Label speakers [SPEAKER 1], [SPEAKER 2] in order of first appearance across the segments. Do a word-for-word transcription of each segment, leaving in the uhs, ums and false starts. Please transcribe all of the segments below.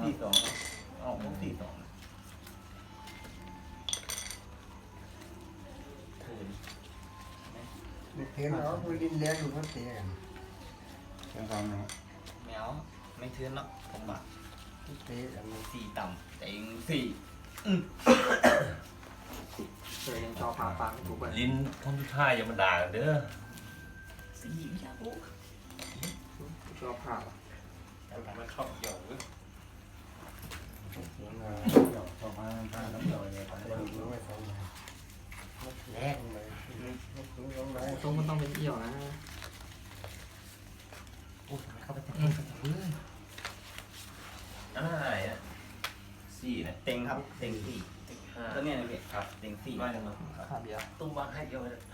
[SPEAKER 1] สี่สองออกพวกสี่สองเถิน
[SPEAKER 2] เทียนเราไปดินเลี้ยงอยู่พัทยา
[SPEAKER 3] เป็นความเนาะ
[SPEAKER 1] แมวไม่เทือนหรอกผมอ่ะ
[SPEAKER 2] เตะอันนี้
[SPEAKER 1] สี่ต่ำแต่เองสี่
[SPEAKER 4] เคยยังชอบผ่าปังถูกป่ะ
[SPEAKER 5] ลิ้นคนที่ท่ายอย่ามาด่ากันเด้อ
[SPEAKER 1] สี่ไม่อยากรู้
[SPEAKER 4] ชอบผ่า
[SPEAKER 5] มันชอบเกี่ยวเว้ย
[SPEAKER 3] เดี๋ยวเราเดี๋ยวต่อมาผ้าน้ำเดี๋ยวเลยไป
[SPEAKER 2] ไปดูไว้สองใบ
[SPEAKER 1] แรก
[SPEAKER 2] เลยดูสองใบ
[SPEAKER 4] ตรงมันต้องเป็นเอี่ยวนะ
[SPEAKER 1] โอ้ยทำไมเข้าไปเต็มเต็มเต็มเลย
[SPEAKER 5] อันนั้นอะไรอ่ะสี่นะ
[SPEAKER 1] เต็งครับเต็งสี่
[SPEAKER 5] ห้า
[SPEAKER 1] ก็เนี่ยนะพี่
[SPEAKER 5] ครับ
[SPEAKER 1] เต็งสี่
[SPEAKER 5] ว่าจังเลย
[SPEAKER 4] ขาเดียว
[SPEAKER 5] ตุ้มวางให้เดียวเลย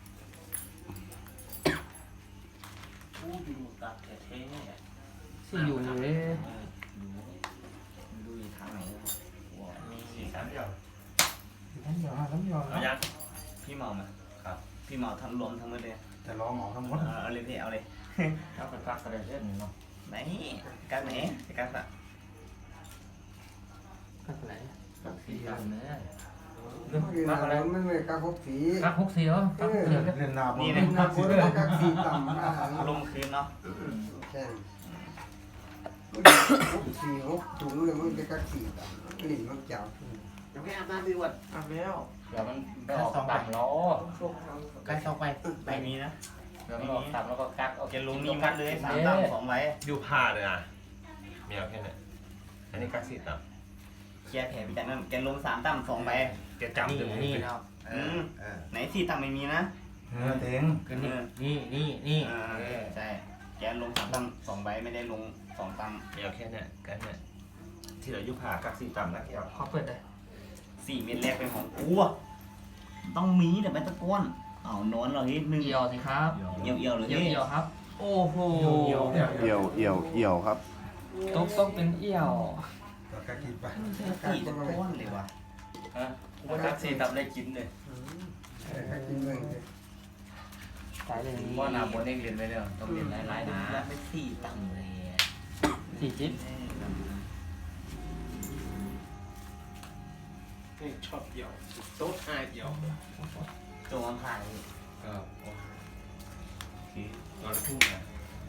[SPEAKER 5] ผู้อยู่ตัดแท้ๆ
[SPEAKER 4] สี่อยู่เลย
[SPEAKER 1] ดูดูอีกทางไหนว้าว
[SPEAKER 5] มีสี่สามเดียว
[SPEAKER 2] น้ำหยอดน้ำหยอด
[SPEAKER 5] เอายัง
[SPEAKER 1] พี่เมาไหม
[SPEAKER 5] ครับ
[SPEAKER 1] พี่เมาทั้งรวมทั้งหมดเลย
[SPEAKER 3] จะรอหมอทั้งหมด
[SPEAKER 1] เอาเลยพี่เอาเลย
[SPEAKER 5] ถ้าเป็นพักกระเด็นเล่นเนาะ
[SPEAKER 1] ไหนการไหนการอะ
[SPEAKER 4] กัดไหน
[SPEAKER 5] สี่กันเนื้อ
[SPEAKER 2] มาอะไรไม่ไม่กระพกสี
[SPEAKER 5] พักหกสี่เหรอ
[SPEAKER 2] เออ
[SPEAKER 3] เรียนนาบ
[SPEAKER 1] นี่
[SPEAKER 3] น
[SPEAKER 1] นะ
[SPEAKER 2] นักบุญกระสีต่ำนะ
[SPEAKER 1] ลงคืนเนาะ
[SPEAKER 2] ใช่หกสี่หกถุงเลยมันจะกระสีต่ำหลินมันจับ
[SPEAKER 1] ยังไม่อาบน้ำดีกว่า
[SPEAKER 2] อาบแล้ว
[SPEAKER 5] เดี๋ยวมันไปออกต่ำล้อ
[SPEAKER 1] ใกล้เข้าไปใบนี้นะ
[SPEAKER 5] เดี๋ยวมันออกต่ำแล้วก็กักเอา
[SPEAKER 1] แกลงนี่มัดเลยสามต่ำสองใบ
[SPEAKER 5] อยู่ผ้าเลยอ่ะเมียวแค่นี้อันนี้กักสี่ต่ำ
[SPEAKER 1] เคลียร์แผลไปจากนั้นแกลงสามต่ำสองใบ
[SPEAKER 5] แกจำถึงนี่นะ
[SPEAKER 1] อืมไหนสี่ต่ำไม่มีนะ
[SPEAKER 3] เนื้อเต็ง
[SPEAKER 1] คือนี่
[SPEAKER 5] นี่นี่นี่
[SPEAKER 1] ใช่แกลงสามต่ำสองใบไม่ได้ลงสองต่ำ
[SPEAKER 5] เมียวแค่นี้กันเนี่ยที่เราอยู่ผ้ากักสี่ต่ำนะแก
[SPEAKER 4] ขอเปิดเลย
[SPEAKER 1] สี่เม็ดแรกเป็นของกูต้องมีแต่ไม่ตะก้อนเอานอนเราเฮ้ยหนึ่ง
[SPEAKER 4] เอี่ยวสิครับ
[SPEAKER 1] เอี่ยวเอี่ยวเลย
[SPEAKER 4] เอี่ยว
[SPEAKER 1] เฮ้ย
[SPEAKER 4] เอี่ยวครับ โอ้โห
[SPEAKER 3] เอี่ยวเอี่ยวเอี่ยวเอี่ยวครับ
[SPEAKER 4] ต้องต้องเป็นเอี่ยว
[SPEAKER 3] แล้วก็กินไป
[SPEAKER 1] สี่ตะก้อนเลยว่ะ
[SPEAKER 5] ฮะกูว่ากักสี่ต่ำได้กินเลย
[SPEAKER 2] กระกินเลย
[SPEAKER 4] สายเลย
[SPEAKER 5] ว่านาบนเองเรียนไปเนี่ยต้องเรียนหลายๆนะ
[SPEAKER 1] แล้วไม่สี่ต่ำเลย
[SPEAKER 4] สี่จิ๊บ
[SPEAKER 5] ชอบเดี่ยวโต๊ะห้าเดี่ยว
[SPEAKER 1] ตัวมันผ่าน
[SPEAKER 5] ก็โอเคตอนทุ่งนะ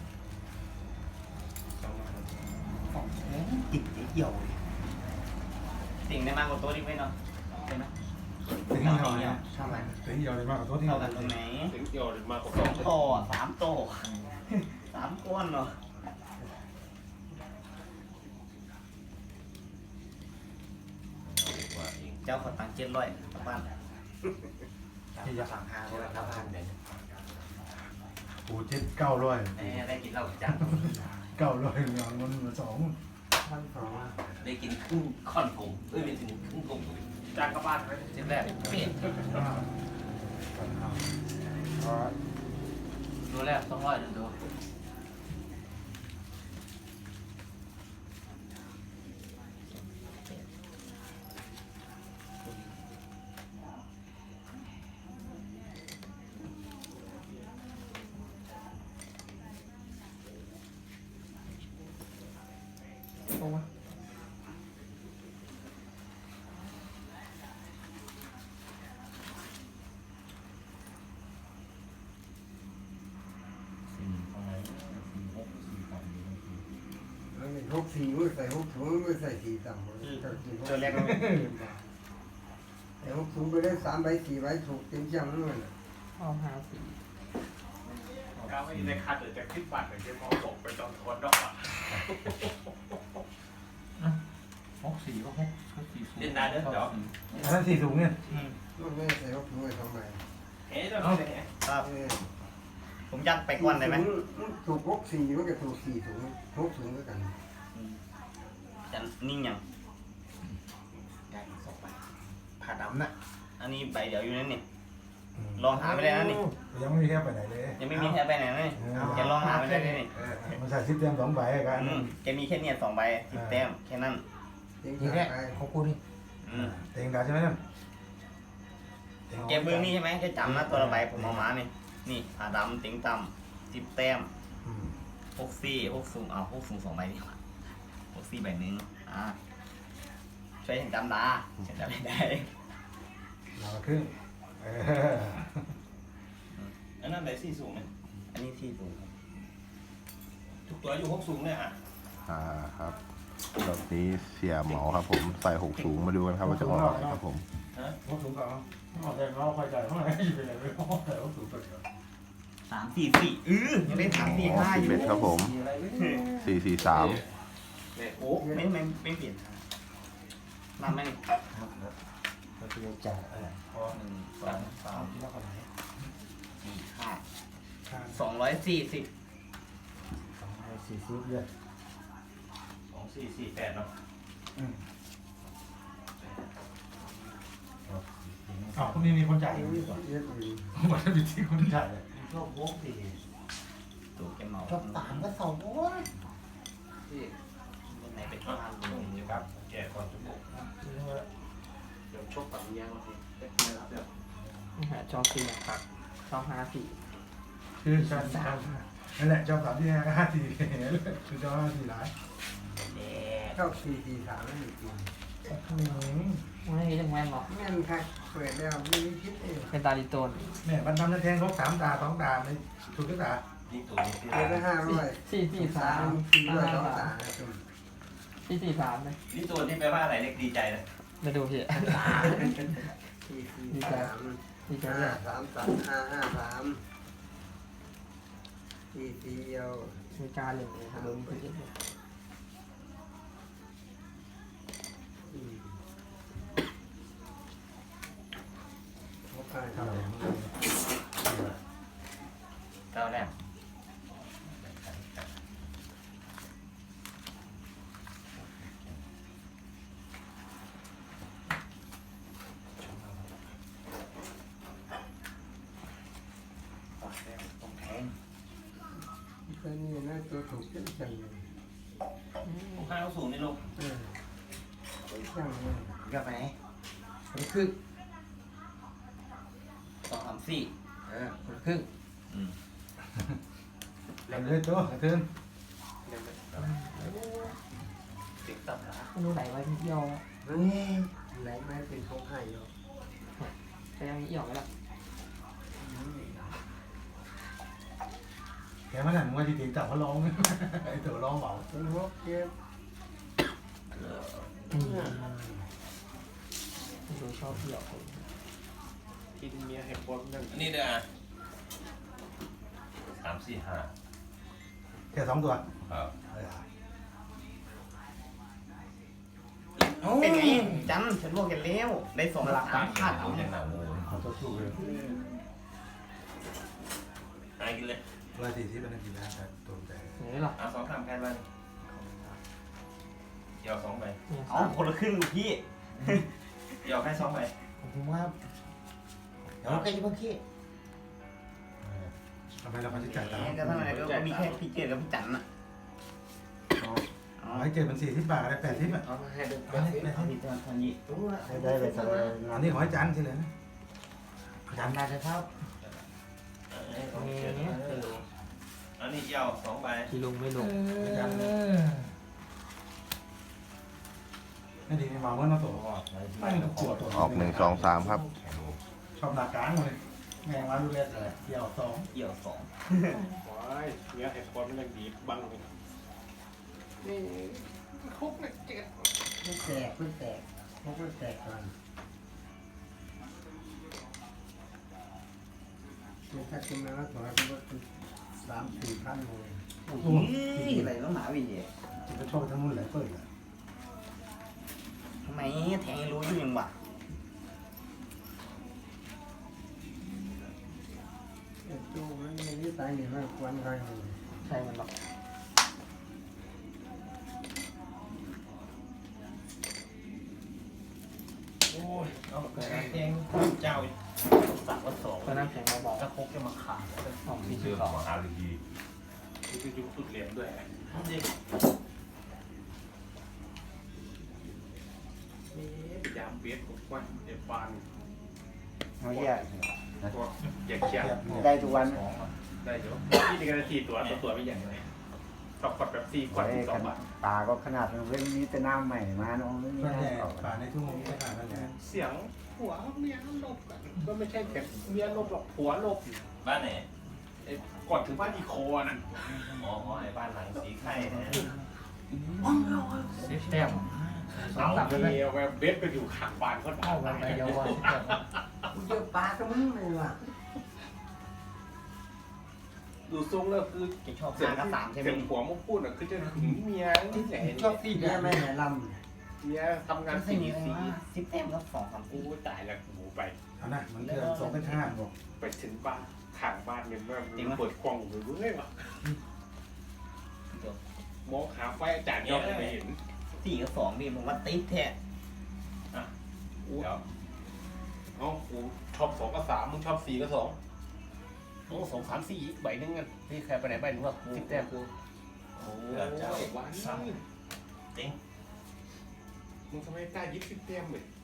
[SPEAKER 1] ติดเอี่ยวสิ่งได้มากกว่าตัวนี้ไหมเนาะใช่ไหม
[SPEAKER 3] เต็งเอี่ยวเนี่ย
[SPEAKER 1] เท่ากัน
[SPEAKER 3] เต็งเอี่ยวเลยมากกว่าตัวที่
[SPEAKER 1] เท่ากันตรงไหน
[SPEAKER 5] ถึงเดี่ยวมากกว่า
[SPEAKER 1] สองโตสามโตสามก้อนเนาะเจ้าขอตังค์เจ็ดร้อยกลับบ้านสั่งห้าร้อยกลับบ้านเลย
[SPEAKER 3] ปูเจ็ดเก้าร้อย
[SPEAKER 1] ได้กินเหล้าจัง
[SPEAKER 3] เก้าร้อยเงามันเหมือนสอง
[SPEAKER 2] พันสอง
[SPEAKER 5] ได้กินครึ่งค่อนผมเอ้ยไม่ถึงครึ่งผมจานกลับบ้านไหมเจ็บแรกเปลี่ยน
[SPEAKER 4] ตัวแรกสองร้อยดู
[SPEAKER 2] ตรงไหม
[SPEAKER 5] สี่ตรงไหนสี่หกสี่สาม
[SPEAKER 2] แล้วมีหกสี่มือใส่หกถุงมือใส่สี่ต่ำกระกิน
[SPEAKER 1] ตัวแรกก็
[SPEAKER 2] แต่หกถุงไปได้สามใบสี่ใบถูกเต็มจังเลย
[SPEAKER 4] เอาหาสี่
[SPEAKER 5] ก้าวไม่ในคาดเดี๋ยวจะขึ้นบัตรเดี๋ยวจะมองตกไปตอนทอนดอกอ่ะ
[SPEAKER 4] หกสี่ก็หกสี่
[SPEAKER 5] เล่นนานเด้อเดี๋ยว
[SPEAKER 3] อันนั้นสี่ถุงเนี่ย
[SPEAKER 2] มันไม่ใส่หกถุงไปทำไม
[SPEAKER 5] เฮ้ยเดี๋ยวเราเนี่ย
[SPEAKER 1] ครับ
[SPEAKER 2] เออ
[SPEAKER 1] ผมยัดไปก่อนได้ไหม
[SPEAKER 2] ถูกหกสี่มันก็ถูกสี่ถุงหกถุงด้วยกัน
[SPEAKER 1] จะนิ่งยัง
[SPEAKER 5] ได้สองใบ
[SPEAKER 1] ผ่าดำน่ะอันนี้ใบเดียวอยู่นั่นนี่ลองหาไปเลยนะนี่
[SPEAKER 3] ยังไม่มีแค่ไปไหนเลย
[SPEAKER 1] ยังไม่มีแค่ใบไหนเลยแกลองหาไปได้เลยนี่
[SPEAKER 3] มันใส่ซิปเต็มสองใบกัน
[SPEAKER 1] อืมแกมีแค่เนี่ยสองใบสิบแต้มแค่นั้น
[SPEAKER 2] ทีแรก
[SPEAKER 4] ของกูนี่
[SPEAKER 1] อืม
[SPEAKER 3] เต็งดาใช่ไหมนั่น
[SPEAKER 1] แกเบื้องนี่ใช่ไหมแกจำนะตัวละใบผมเอามานี่นี่ผ่าดำติ๋งต่ำสิบแต้มหกสี่หกสูงเอาหกสูงสองใบดีกว่าหกสี่สี่ใบหนึ่งอ่าช่วยฉันจำดาฉันจำไม่ได้
[SPEAKER 3] เราครึ่งเออ
[SPEAKER 5] อันนั้นไหนสี่สูงเนี่ย
[SPEAKER 1] อันนี้ที่สูงครับ
[SPEAKER 5] ทุกตัวอยู่หกสูงเนี่ยอ่ะ
[SPEAKER 6] อ่าครับรอบนี้เสียเหมาครับผมใส่หกสูงมาดูกันครับว่าจะออกอะไรครับผม
[SPEAKER 3] พวกสูงก่อนเอาแต่เราคอยใจเท่าไหร่อยู่เป็นไรไม่พอแต่ว่าสูงกว่าเดิม
[SPEAKER 1] สามสี่สี่เออยังได้สามสี่ห้า
[SPEAKER 6] สิ
[SPEAKER 1] อบ ยู่
[SPEAKER 6] เอ็ดครับผมสี่สี่สาม
[SPEAKER 5] เนี่ย
[SPEAKER 1] โอ้ไม่ไม่ไม่เปลี่ยนนำไหมนี่
[SPEAKER 3] เราจะจ่ายอะไร
[SPEAKER 1] พอหนึ่งสองสาม
[SPEAKER 3] ที่ว่าคนไหน
[SPEAKER 1] สี่ห้า
[SPEAKER 3] ค่า
[SPEAKER 1] สองร้อยสี่สิบ
[SPEAKER 3] สองร้อยสี่สิบเดือน
[SPEAKER 5] สองสี่สี่แปดเนาะ
[SPEAKER 3] อืมอ๋อพวกนี้มีคนจ่าย
[SPEAKER 2] เย
[SPEAKER 3] อยู่
[SPEAKER 2] อะ
[SPEAKER 3] ดีกว่า
[SPEAKER 2] เยอะอยู่
[SPEAKER 3] วันนี้มีที่คนจ่ายเลย
[SPEAKER 4] ชอบวกสี่
[SPEAKER 1] ตัวแกเมา
[SPEAKER 4] ชอบสามก็สองโอ้ย
[SPEAKER 5] ที่
[SPEAKER 1] ไหนเป็น
[SPEAKER 5] อ่ะ
[SPEAKER 1] ข้าว
[SPEAKER 5] ผมอยู่กับแกก่อนจุ๊บเดี๋ยวชกกับเมียมาทีเด็กเมียรับเดี๋ยว
[SPEAKER 4] นี่ฮะจอสี่ครับจอห้าสี่
[SPEAKER 3] คือชอบสามนั่นแหละชอบสามที่ห้าห้าสี่คือชอบห้าสี่ร้าย
[SPEAKER 1] แดด
[SPEAKER 2] ชอบสี่สี่สามนั่นจริง
[SPEAKER 4] ไม่ยังไงหรอก
[SPEAKER 2] แม่นค่ะเปิดแล้วไม่มีพิษเอง
[SPEAKER 4] เป็นตาลิโตน
[SPEAKER 3] แม่มันทำนั่นแทงเขาสามตาสองตาไม่ถูกทุกตา
[SPEAKER 5] นี่ตัวนี้ที่
[SPEAKER 2] เปิดได้ห้าร้อย
[SPEAKER 4] สี่สี่สาม
[SPEAKER 2] สี่ร้อยสอง
[SPEAKER 4] ห้า
[SPEAKER 2] ตา
[SPEAKER 4] สามสี่สี่สามเลย
[SPEAKER 5] นี่ตัวที่แปลว่าอะไรเล็กดีใจนะ
[SPEAKER 4] มาดูพี่
[SPEAKER 2] สี่สี่สาม
[SPEAKER 4] ดีใจ
[SPEAKER 2] ห้า
[SPEAKER 4] เลย
[SPEAKER 2] สามสามห้าห้าสามสี่สี่เดียว
[SPEAKER 4] มีการหนึ่งเลยครับโดนพี่
[SPEAKER 2] อืมโอเคค
[SPEAKER 3] เท่า
[SPEAKER 2] รับ
[SPEAKER 3] ไหร่
[SPEAKER 1] เก้าแรกต้องแทง
[SPEAKER 2] ก็นี่นะตัวถูกจังจังเลย
[SPEAKER 5] ผู้ค้าเขาสูงนี่ลูก
[SPEAKER 2] เออจังเลย
[SPEAKER 1] ก็ไปไหนคนละครึ่งสองสามสี่เออคนละครึ่งอืม
[SPEAKER 3] แล้วเลยตัวขึ้น
[SPEAKER 5] ติ๊กตับนะ
[SPEAKER 4] ไม่รู้ไหนไว้ที่เอี่ยว
[SPEAKER 2] นี่ไหลมาเป็นของไห้อยู่
[SPEAKER 4] แต่ยังมีเอี่ยวไหมล่ะ
[SPEAKER 3] แกมันนั่นว่าจริงๆจับเขาร้องไอ้ตัวร้องเบา
[SPEAKER 2] เป็นหัวเก็บ
[SPEAKER 4] ไม่รู้ชอบเอี่ยว
[SPEAKER 5] กินเมียให้คนนั่นอันนี้เด้อสามสี่ห้า
[SPEAKER 3] แค่สองตัว
[SPEAKER 5] ครับ
[SPEAKER 1] เป็นไงจันฉันบอกกันแล้วได้สองหลักสามพัน
[SPEAKER 5] เอาอย่างหนาโม
[SPEAKER 3] เขาตัวสู้เลย
[SPEAKER 5] หายกินเลย
[SPEAKER 3] ร้อยสี่สิบเป็นนาทีนะแต่ตัวใจ
[SPEAKER 4] นี่หรอ
[SPEAKER 5] เอาสองสามแผ่นมาเดี๋ยวสองใบ
[SPEAKER 1] เอาคนละครึ่งพี่
[SPEAKER 5] เดี๋ยวแค่สองใบ
[SPEAKER 4] ผมว่าเดี๋ยวใครจะมาคิด
[SPEAKER 3] ทำไมเราไม่จ่ายตาม
[SPEAKER 1] ก็เท่าไหร่ก็มีแค่พี่เจกับพี่จันน่ะ
[SPEAKER 3] ให้เจ็ดเป็นสี่สิบบาทอะไรแปดสิบอ่ะ
[SPEAKER 1] เอาให้ดูไปสิพี่จันทันยี่
[SPEAKER 2] ให้ได้ไปสบาย
[SPEAKER 3] อันนี้ขอให้จานใช่เลยนะจาน
[SPEAKER 4] มาจะเท่า
[SPEAKER 5] อันนี้เดี๋ยวสองใบ
[SPEAKER 4] ที่ลงไม่ลง
[SPEAKER 3] นี่ดีมาเมื่อเราตัวไม่ต้องกลัวตัว
[SPEAKER 6] ออกหนึ่งสองสามครับ
[SPEAKER 3] ชอบหนักกลางเลยแม่งมาดูเล็ดเลยเดี่ยวสอง
[SPEAKER 1] เอี่ยวสอง
[SPEAKER 5] ว้ายเนี้ยเห็ดคนมันยังดีบังเลย
[SPEAKER 2] นี่
[SPEAKER 5] คุกเนี่ยเจ็ด
[SPEAKER 2] ไม่แตกไม่แตกพวกไม่แตกก่อนถ้ากินมาแล้วถอยก็สามสี่พันเลย
[SPEAKER 1] อุ้ยอะไรต้องหนาวิเย่
[SPEAKER 3] จะชอบทั้งนู้นเลยเปิดเลย
[SPEAKER 1] ทำไมแทงรู้อยู่ยังวะ
[SPEAKER 2] จูมันไม่ได้ตายเนี่ยมันควันใคร
[SPEAKER 4] ใช่มันหรอก
[SPEAKER 5] โอ้ยเอาแกงเจ้า
[SPEAKER 1] สักว่าสอง
[SPEAKER 4] ก็น้ำแข็งมาบอก
[SPEAKER 1] กระพกจะมาขาด
[SPEAKER 4] สองสี่
[SPEAKER 5] เชื่
[SPEAKER 4] สิ
[SPEAKER 5] อบ
[SPEAKER 4] สอง
[SPEAKER 5] ของอาร์ดีคือยุคสุดเหรียญด้วยนี่พยายามเบียดกับวันเด็บฟัน
[SPEAKER 2] เขาแยก
[SPEAKER 5] ตัวอยากเชียร์
[SPEAKER 2] ได้ทุกวัน
[SPEAKER 5] ได้เดี๋ยวพี่จะการันตีตัวตัวตัวไม่อย่างไรกับขวดแบบสี่ขวดสิบสองบาท
[SPEAKER 2] ปลาก็ขนาดมันไม่มีแต่น้ำใหม่มาเนาะไม่มี
[SPEAKER 3] ส่วนใหญ่
[SPEAKER 2] น้ำเก่า
[SPEAKER 3] ป่าในทุ่งมีขนาดนั้นแหละ
[SPEAKER 5] เสียงผัวเมียลบกันก็ไม่ใช่แค่เมียลบหรอกผัวลบ
[SPEAKER 1] บ้านไหน
[SPEAKER 5] ไอ้ก่อนถึงบ้านอีโคน่ะ
[SPEAKER 1] อ๋อไอ้บ้านหลังสีไข่นะ
[SPEAKER 4] สิบแต้มสอง
[SPEAKER 5] เอา
[SPEAKER 4] สามเลย
[SPEAKER 5] เมียแบบเบสไปอยู่ข้างบ้านคน
[SPEAKER 4] เข้ากันไปเยาว์สิบแต้ม
[SPEAKER 2] กูเจอปลากับมึงเลยว่ะ
[SPEAKER 5] ดูทรงแล้วคือ
[SPEAKER 1] จะชอบ
[SPEAKER 5] เสีย
[SPEAKER 1] ทาง นกับสามใช่ไหม
[SPEAKER 5] เสียงผัวมุกพูดอ่ะคือจะถึงเมียที่ไหน
[SPEAKER 2] ชอบตีแม่แม่แห่ล
[SPEAKER 5] เมียทำงาน
[SPEAKER 1] ไม่
[SPEAKER 5] สี่
[SPEAKER 1] มีอะไร
[SPEAKER 5] สี่
[SPEAKER 1] ว่าสิบแต้มก็สองสาม
[SPEAKER 5] กูตายแล้วกูไป
[SPEAKER 3] เอานะมันเกินสองเป็นห้าบอก
[SPEAKER 5] ไปถึงบ้านข้างบ้านเนี่ยมันเปิดกล้องอยู่เรื่อยว่ะมองหาไฟอาจารย์ยอดไม่เห็น
[SPEAKER 1] สี่กับสองดิผมว่าติดแท้
[SPEAKER 5] กูเอ้ากูชอบสองกับสามมึงชอบสี่กับสองโอ้สองสามสี่ใบหนึงกันที่ใครไปไหนใบหนึงว่าสิบแต้มกูโอ้ยวันจริงมึงทำไมกล้ายิบสิบแต้มเลย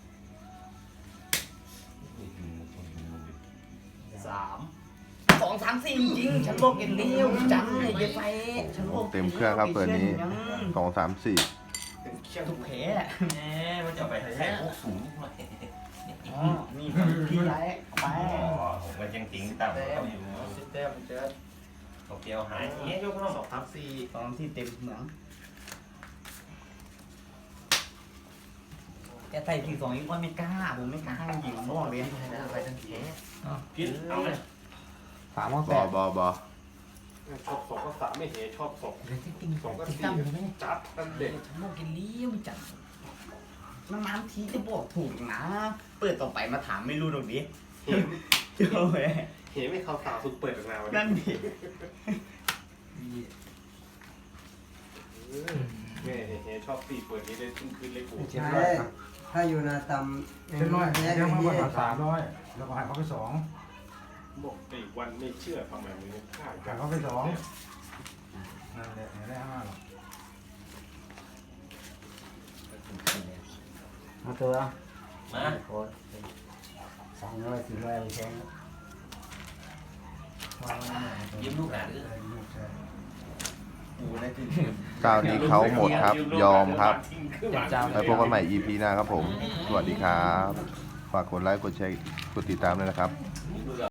[SPEAKER 5] สาม
[SPEAKER 1] สองสามสี่จริงฉันโลกเกนเดียวจังเลยเยไปฉันโลก
[SPEAKER 6] เต็มเครื่องครับเปิดนี้สองสามสี่
[SPEAKER 5] เป็นเคี่ยว
[SPEAKER 1] ทุกแผลแหมมันจะไปแท้พวกสูงมาอ๋อนี่พี่ไรไป
[SPEAKER 7] ผมก็ยังติ้งต่ำเขาอยู่
[SPEAKER 5] สิบแต้มเจอ
[SPEAKER 7] เขาเกี่ยวหายเงี้ยยกน้อง
[SPEAKER 5] สองสามสี่
[SPEAKER 1] ตอนที่เต็มเหมืองแกใส่สี่สองอีกว่าไม่กล้าผมไม่กล้าหยิงน้องเลย
[SPEAKER 4] ไปทั้งแขน
[SPEAKER 7] พิษเอาไหม
[SPEAKER 4] สามว่า
[SPEAKER 6] บ
[SPEAKER 4] แป
[SPEAKER 6] อ
[SPEAKER 4] ด
[SPEAKER 6] บอบอ
[SPEAKER 5] ชอบสองกับสามไม่เห็นชอบสอง
[SPEAKER 4] เดี๋ยวติ๊งติ๊ง
[SPEAKER 5] สองกับ
[SPEAKER 4] ติ๊ง
[SPEAKER 5] สี่
[SPEAKER 4] ตั้มใช่ไหม
[SPEAKER 5] จัดตั้งเด็ก
[SPEAKER 1] ฉันบอกกินเลี้ยวจังนานๆทีจะบอกถูกนะ เปิดต่อไปมาถามไม่รู้ตรงนี้
[SPEAKER 5] เห็น
[SPEAKER 1] เจ้าเว้ย
[SPEAKER 5] เห็นไม่เขาสาวสุดเปิดออกมาวัน
[SPEAKER 1] นั่นดิ
[SPEAKER 5] แม่เห็นชอบสี่เปิดนี้เลยขึ้นคืนเลยกู
[SPEAKER 2] ำใช่ถ้าอยู่นาตำ
[SPEAKER 3] เช่นร้อย
[SPEAKER 2] แย่
[SPEAKER 3] ยังมา
[SPEAKER 2] เงี้
[SPEAKER 3] ภาย ษาสามร้อยแล้วก็หายเขาไปสอง
[SPEAKER 5] บอกไอ้วันไม่เชื่อทำไมมึงฆ่า
[SPEAKER 3] หายเขาไปสองนั่นแหละได้ห้าหรอก
[SPEAKER 2] มาตัว
[SPEAKER 7] มา
[SPEAKER 2] โคตรสองร้อยสี่ร้อยแพง
[SPEAKER 7] ยิ้มลูกหลาน
[SPEAKER 1] กูได้ถึง
[SPEAKER 6] เจ้านี้เขาหมดครับ ยอมครับ
[SPEAKER 4] เจ้า
[SPEAKER 6] ไปพบกันใหม่ อี พี หน้าครับผม สวัสดีครับ ฝากกดไลค์ กดแชร์ กดติดตามด้วยนะครับ